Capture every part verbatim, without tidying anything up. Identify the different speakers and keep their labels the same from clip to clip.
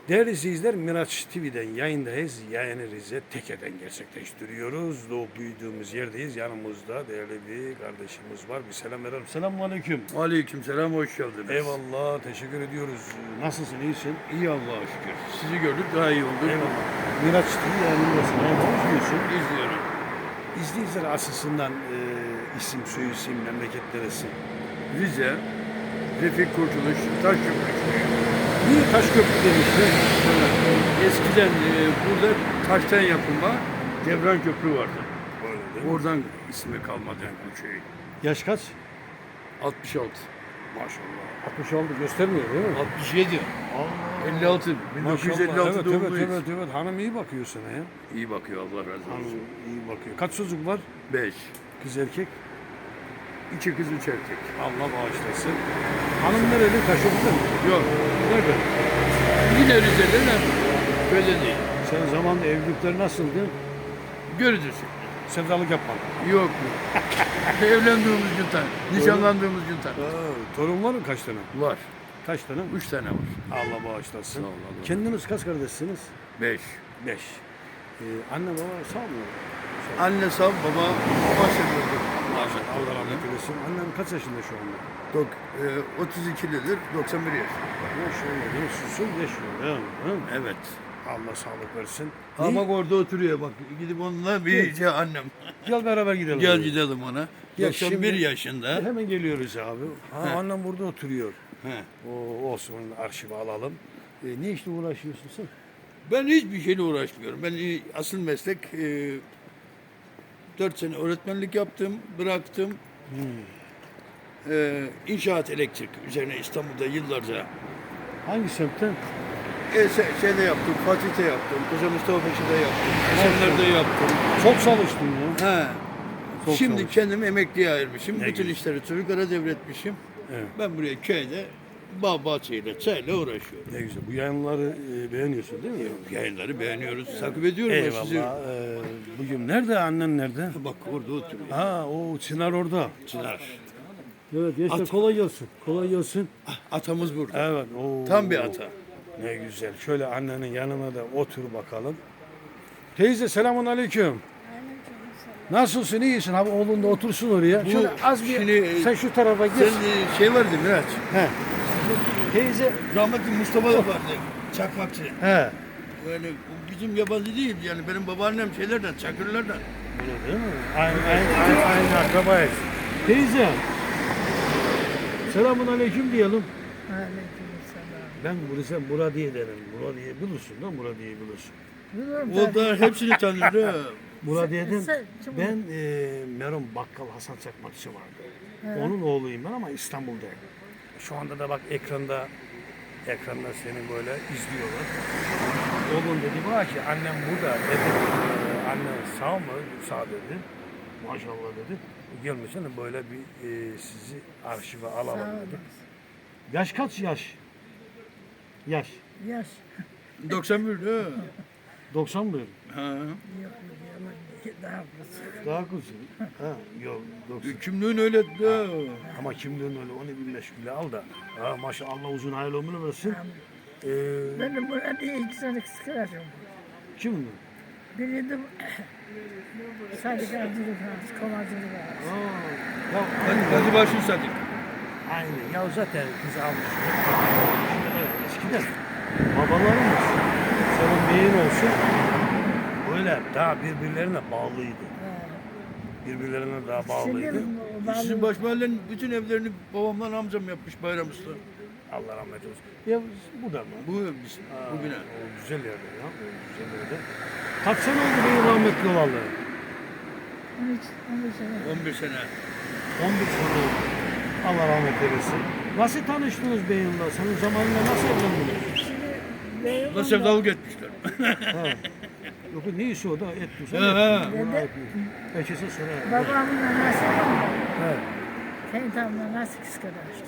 Speaker 1: Değerli izleyiciler, Miraç T V'den yayındayız. Yayını Rize Teke'den gerçekleştiriyoruz. Doğup büyüdüğümüz yerdeyiz. Yanımızda değerli bir kardeşimiz var. Bir selam verelim. Selamun aleyküm.
Speaker 2: Aleykümselam, hoş geldiniz.
Speaker 1: Eyvallah, teşekkür ediyoruz. Nasılsın, iyisin?
Speaker 2: İyi Allah'a şükür. Sizi gördük, daha iyi olduk.
Speaker 1: Eyvallah. Miraç T V yayınındasın. Eyvallah, izliyorsun.
Speaker 2: İzliyorum.
Speaker 1: İzleyiciler açısından e, isim, soy isim, memleket neresi?
Speaker 2: Rize, Refik Kurtuluş, Taşköprü.
Speaker 1: Niye Taşköprü demişler?
Speaker 2: Eskiden e, burada taştan yapılma Devran Köprü vardı.
Speaker 1: Öyle değil mi?
Speaker 2: Oradan ismi kalmadı yani bu köyün.
Speaker 1: Yaş kaç?
Speaker 2: altmış altı.
Speaker 1: Maşallah. altmış altı göstermiyor değil mi?
Speaker 2: altmış yedi. elli altı. bin dokuz yüz elli
Speaker 1: Maşallah.
Speaker 2: altı
Speaker 1: Evet,
Speaker 2: doğumluyuz.
Speaker 1: evet, evet, evet. Hanım iyi bakıyor sana ya.
Speaker 2: İyi bakıyor, Allah razı
Speaker 1: Hanım
Speaker 2: olsun.
Speaker 1: iyi bakıyor. Kaç çocuk var?
Speaker 2: beş.
Speaker 1: Kız erkek.
Speaker 2: İki kız, üç erkek.
Speaker 1: Allah bağışlasın. Hanım nereli? Taşköprü'de mi?
Speaker 2: Yok.
Speaker 1: Nerede?
Speaker 2: Yine Rize'de de böyle değil.
Speaker 1: Sen zamanında evlilikler nasıldı?
Speaker 2: Görücüsü.
Speaker 1: Sevdalık yapmadın.
Speaker 2: Yok yok. Evlendiğimiz gün tan, nişanlandığımız gün tan.
Speaker 1: Aa, torun var mı kaç tane?
Speaker 2: Var.
Speaker 1: Kaç tane?
Speaker 2: Üç tane var.
Speaker 1: Allah bağışlasın.
Speaker 2: Sağ ol, Allah.
Speaker 1: Kendiniz kaç kardeşsiniz?
Speaker 2: Beş.
Speaker 1: Beş. Ee, anne baba sağ mı?
Speaker 2: Anne sağ, baba bahsediyordu. Maşallah.
Speaker 1: Allah rahmet eylesin. Annen kaç yaşında şu anda?
Speaker 2: Dok, e, otuz ikilidir, doksan bir yaş.
Speaker 1: Maşallah. Nasılsın? Yaşıyor değil mi? Hı?
Speaker 2: Evet.
Speaker 1: Allah sağlık versin.
Speaker 2: Ama
Speaker 1: İyi.
Speaker 2: orada oturuyor bak. Gidip onunla bir şey annem.
Speaker 1: Gel beraber gidelim.
Speaker 2: Gel
Speaker 1: abi.
Speaker 2: gidelim ona.
Speaker 1: Gel
Speaker 2: doksan bir
Speaker 1: şimdi-
Speaker 2: yaşında.
Speaker 1: Hemen geliyoruz abi. Ha,
Speaker 2: He.
Speaker 1: annem burada oturuyor.
Speaker 2: He.
Speaker 1: O olsun, arşivi alalım. E, ne işle uğraşıyorsun sen?
Speaker 2: Ben hiçbir şeyle uğraşmıyorum. Ben e, asıl meslek e, dört sene öğretmenlik yaptım, bıraktım. E, inşaat elektrik üzerine İstanbul'da yıllarca
Speaker 1: Hangi semtten?
Speaker 2: E, se- şeyde yaptım, Fatih'te yaptım, Koca Mustafa Paşa'da yaptım, Esenler'de yaptım.
Speaker 1: Çok çalıştın ya.
Speaker 2: He.
Speaker 1: Çok
Speaker 2: Şimdi
Speaker 1: çalıştın.
Speaker 2: kendimi emekliye ayırmışım.
Speaker 1: Ne
Speaker 2: Bütün
Speaker 1: güzel.
Speaker 2: işleri çocuklara devretmişim.
Speaker 1: Evet.
Speaker 2: Ben buraya köyde bağ bahçeyle, çayla uğraşıyorum.
Speaker 1: Ne güzel. Bu yayınları e, beğeniyorsun değil mi?
Speaker 2: Yayınları beğeniyoruz, takip ediyorum ben
Speaker 1: Eyvallah.
Speaker 2: sizi.
Speaker 1: E, bugün nerede? Annen nerede?
Speaker 2: Bak orada oturuyor.
Speaker 1: Ha, o Çınar orada.
Speaker 2: Çınar.
Speaker 1: Evet, gençler
Speaker 2: At.
Speaker 1: kolay gelsin. Kolay gelsin.
Speaker 2: Atamız burada.
Speaker 1: Evet. Oo.
Speaker 2: Tam bir ata.
Speaker 1: Ne güzel. Şöyle annenin yanına da otur bakalım. Teyze selamun aleyküm. Nasılsın? İyisin? Abi oğlun da otursun oraya.
Speaker 2: Bu
Speaker 1: Şöyle az bir
Speaker 2: şimdi, e,
Speaker 1: sen şu tarafa geç.
Speaker 2: Sen e, şey vardı Miraç.
Speaker 1: He. Teyze.
Speaker 2: Rahmetli Mustafa da vardı. Çakmakçı.
Speaker 1: He.
Speaker 2: Böyle o bizim yabancı değil yani benim babaannem şeylerden, Çakırlardan.
Speaker 1: Öyle değil mi? Aynı, aynı, aynı, aynı akrabayız. Teyze. Selamun aleyküm diyelim.
Speaker 3: Aleykümselam.
Speaker 1: Ben bunu sen Bura diye derim. Bura diye bilirsin lan, Bura diye bilirsin.
Speaker 3: Biliyorum
Speaker 2: O da hepsini tanır.
Speaker 1: Bura diye dedim.
Speaker 3: sen- kim-
Speaker 1: Ben e, Meron Bakkal Hasan Çakmakçı vardı. Onun oğluyum ben ama İstanbul'dayım. Şu anda da bak ekranda ekranda seni böyle izliyorlar. Oğlum dedi bana ki annem burada dedi. E, annen sağ mı? Sağ dedi. Maşallah dedi. Gelmişsin böyle bir e, sizi arşive alalım
Speaker 3: Sağ
Speaker 1: dedi.
Speaker 3: olasın.
Speaker 1: Yaş kaç yaş? Yaş.
Speaker 3: Yaş.
Speaker 2: doksan bir ha.
Speaker 1: doksan bir.
Speaker 2: Ha.
Speaker 3: Yok yok yalan daha kısa.
Speaker 1: Daha kuzun. Ha, yok doksan.
Speaker 2: Kimliğin öyle de.
Speaker 1: Ama kimliğin öyle onu bir meşgule al da. Ha, maşallah Allah uzun hayırlı ömür versin. Ee,
Speaker 3: Benim burada iki tane kıskanacım.
Speaker 1: kim mi?
Speaker 3: Biri de sadık avcılık var, kovacılık var.
Speaker 1: Aa, ya,
Speaker 2: Hadi hadi başın sadık.
Speaker 1: aynen. Ya zaten kız almış. Evet, eskiden babalarımız senin beyin olsun böyle daha birbirlerine bağlıydı. Birbirlerine daha bağlıydı.
Speaker 3: Şimdi o
Speaker 2: Sizin
Speaker 3: bağlı
Speaker 2: baş mahallenin bütün evlerini babamla amcam yapmış Bayram Usta.
Speaker 1: Allah rahmet eylesin. Ya bu da mı?
Speaker 2: Bu biz,
Speaker 1: Aa,
Speaker 2: bu bina.
Speaker 1: O güzel yerde ya. O güzel yerde. Kaç sene oldu benim rahmetli olalı?
Speaker 3: on üç, on beş sene.
Speaker 2: on bir sene.
Speaker 1: on bir sene oldu. Allah rahmet eylesin. Nasıl tanıştınız beyinle? Senin zamanında nasıl evlendiniz?
Speaker 3: Şimdi Beyoğlu'nda-
Speaker 2: Nasıl sevdalık etmişler.
Speaker 1: Ha. Yok ne işi o da et
Speaker 2: He, he.
Speaker 1: Peki sen sonra.
Speaker 3: Babamın anası var.
Speaker 1: He.
Speaker 3: Kayıt abla nasıl kıskanmıştı.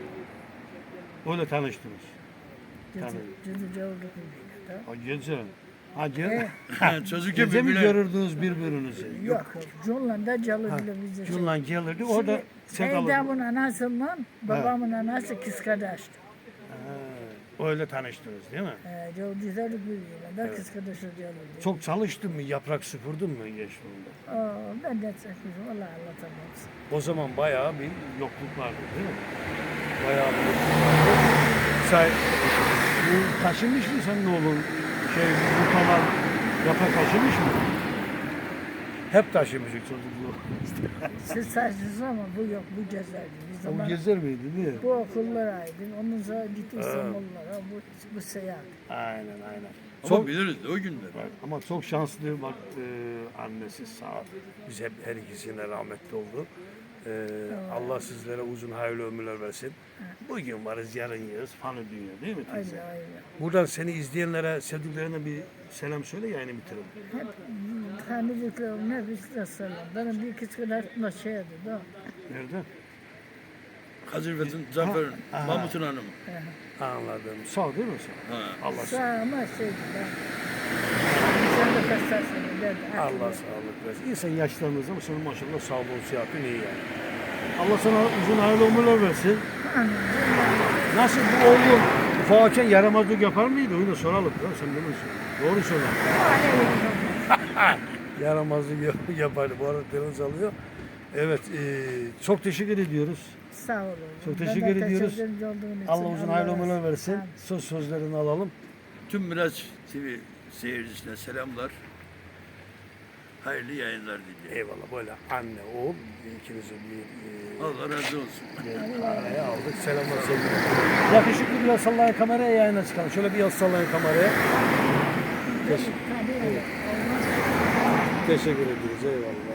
Speaker 1: Öyle tanıştınız.
Speaker 3: Cüdü,
Speaker 1: Tabii.
Speaker 3: cüdü cavurluk bir
Speaker 1: Ha gece. Ha gece.
Speaker 3: Evet.
Speaker 2: Ha, Çocukken
Speaker 1: Gece mi
Speaker 2: birbirine.
Speaker 1: görürdünüz birbirinizi?
Speaker 3: Yok. Cunlan'da calı bile bize.
Speaker 1: Cunlan gelirdi orada sevdalı.
Speaker 3: Kayıt ablanın anasından babamın anası kıskanmıştı.
Speaker 1: Ha, Öyle tanıştınız değil mi?
Speaker 3: Ee, çok güzel bir yıl. Ben kız kardeşi diyorum.
Speaker 1: Çok çalıştın mı? Yaprak süpürdün mü gençliğinde?
Speaker 3: Aa, ben de çekmişim. Vallahi anlatamam.
Speaker 1: O zaman bayağı bir yokluk vardı değil mi? Bayağı bir yokluk vardı. Sen bu taşımış mı senin oğlun? Şey, bu kadar yaprak taşımış mı? Hep taşımışık çocukluğu.
Speaker 3: Siz saçsınız ama bu yok, bu gezerdi. Biz
Speaker 1: O
Speaker 3: zaman
Speaker 1: gezer miydi değil mi?
Speaker 3: bu okullara aydın. Ondan sonra gitti İstanbullara. Bu, bu seyahat.
Speaker 1: Aynen aynen.
Speaker 2: Ama
Speaker 1: Çok,
Speaker 2: biliriz o günler.
Speaker 1: bak, ama çok şanslı bak e, annesi sağ ol. Biz hep her ikisine rahmetli oldu. E, Allah sizlere uzun hayırlı ömürler versin. Bugün varız yarın yeriz. Fanı dünya değil mi teyze?
Speaker 3: Öyle öyle.
Speaker 1: Buradan seni izleyenlere, sevdiklerine bir selam söyle yayını bitirelim.
Speaker 3: Hep tanıdıklarım ne bir selam. Benim bir kız kardeşim şeydi da.
Speaker 1: Nerede?
Speaker 2: Hazırfet'in, Zafer'in,
Speaker 1: Ha,
Speaker 2: Mahmut'un hanımı.
Speaker 1: Anladım. Sağ değil mi sen?
Speaker 2: Ha.
Speaker 1: Allah
Speaker 3: Sağ ama şeydi ben. Sen de kaçtarsın derdi.
Speaker 1: Allah sağlık versin. İnsan yaşlandığı zaman senin maşallah sağlığın sıhhatin iyi yani. Allah sana uzun hayırlı ömürler versin. Nasıl bu oğlun ufakken yaramazlık yapar mıydı? Onu da soralım. Ya, sen değil misin? Doğru söyle. Yaramazlık yap- yapardı. Bu arada telefon alıyor. Evet. E, çok teşekkür ediyoruz.
Speaker 3: Sağ olun.
Speaker 1: Çok
Speaker 3: Ben
Speaker 1: teşekkür
Speaker 3: de
Speaker 1: ediyoruz.
Speaker 3: teşekkür olduğun için
Speaker 1: Allah uzun hayırlı
Speaker 3: razı
Speaker 1: ömürler
Speaker 3: olsun.
Speaker 1: versin.
Speaker 3: Amin.
Speaker 1: Söz sözlerini alalım.
Speaker 2: Tüm Miraç T V seyircisine selamlar. Hayırlı yayınlar diliyorum.
Speaker 1: Eyvallah böyle anne oğul ikinizi bir, e,
Speaker 2: Allah razı olsun.
Speaker 1: bir araya aldık. Selamlar sevgiler. Yakışıklı biraz sallayın kameraya yayına çıkalım. Şöyle bir yaz sallayın kameraya. Teşekkür,
Speaker 3: Tabii, olmaz.
Speaker 1: teşekkür ederiz. Eyvallah.